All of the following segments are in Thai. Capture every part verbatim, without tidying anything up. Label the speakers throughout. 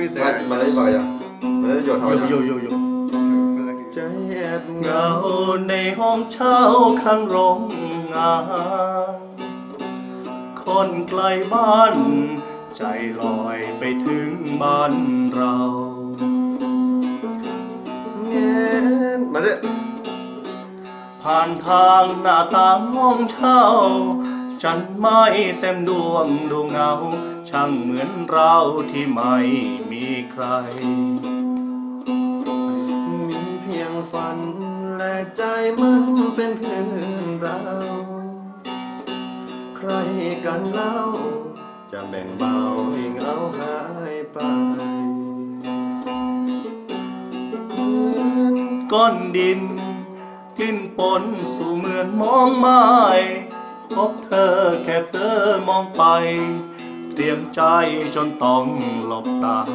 Speaker 1: มาได้บ่อยอ่ะมาได้หยดทำไม
Speaker 2: โยโยโย
Speaker 1: ใจแอบเห
Speaker 2: เห
Speaker 1: งาง
Speaker 2: าในห้องเช่าข้างโรงงาน คนไกลบ้าน ใจลอยไปถึงบ้านเรา
Speaker 1: เงี้ยมาได้
Speaker 2: ผ่านทางหน้าต่างห้องเช่า จันไม่เต็มดวงดวงเงา ช่างเหมือนเราที่ไม่มีใคร
Speaker 1: มีเพียงฝันและใจมันเป็นเพื่อนเราใครกันเล่าจะแบ่งเบาให้เหงาหายไป
Speaker 2: ก้อนดินกลิ่นปนสู่เหมือนมองไม้พบเธอแค่เธอมองไป เตรียมใจจนต้องหลบตา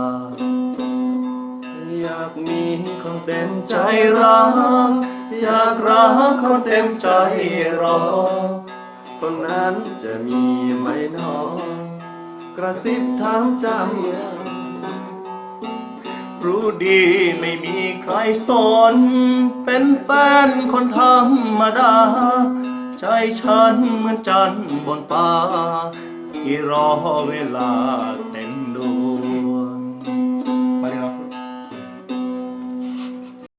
Speaker 1: อยากมีคนเต็มใจ
Speaker 2: ใจรัก อยากรักคนเต็มใจรอ
Speaker 1: คนนั้นจะมีไหมหนอ กระซิบถามใจ
Speaker 2: รู้ดีไม่มีใครสน เป็นแฟนคนธรรมดา ใจฉันเหมือนจันทร์บนฟ้า ที่รอเวลาเต็ม